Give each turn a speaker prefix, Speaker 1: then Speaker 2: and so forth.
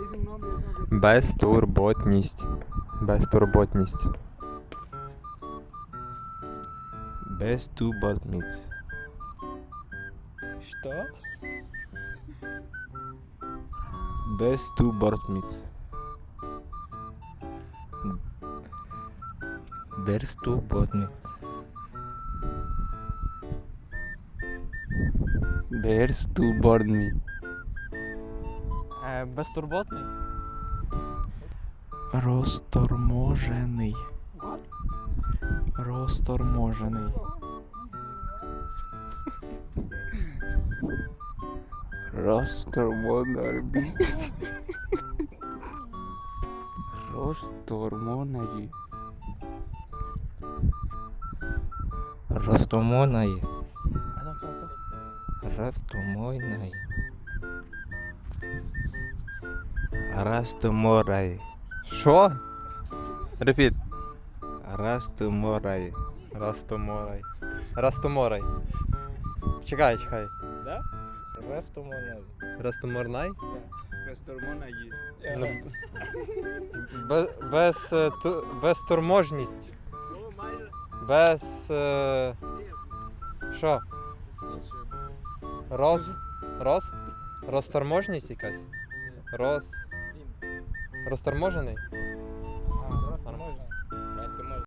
Speaker 1: Безтурботність. Безтурботність.
Speaker 2: Безтурботність.
Speaker 1: Що?
Speaker 2: Безтурботність.
Speaker 3: Безтурботність.
Speaker 1: Безтурботний.
Speaker 4: Безтурботний.
Speaker 5: Розторможений. Розторможений.
Speaker 1: Розтормонарбі. Розтормонаї.
Speaker 3: Ростомоної. Ростомойної.
Speaker 2: Растоморай.
Speaker 1: Що? Репіт.
Speaker 2: Растоморай.
Speaker 1: Растоморай. Растоморай. Чекай.
Speaker 4: Да?
Speaker 3: Ростомойної.
Speaker 1: Растоморнай?
Speaker 4: Безтурботний.
Speaker 1: Ну, безтурможність. Без... Що? Розторможність якась? Розторможений?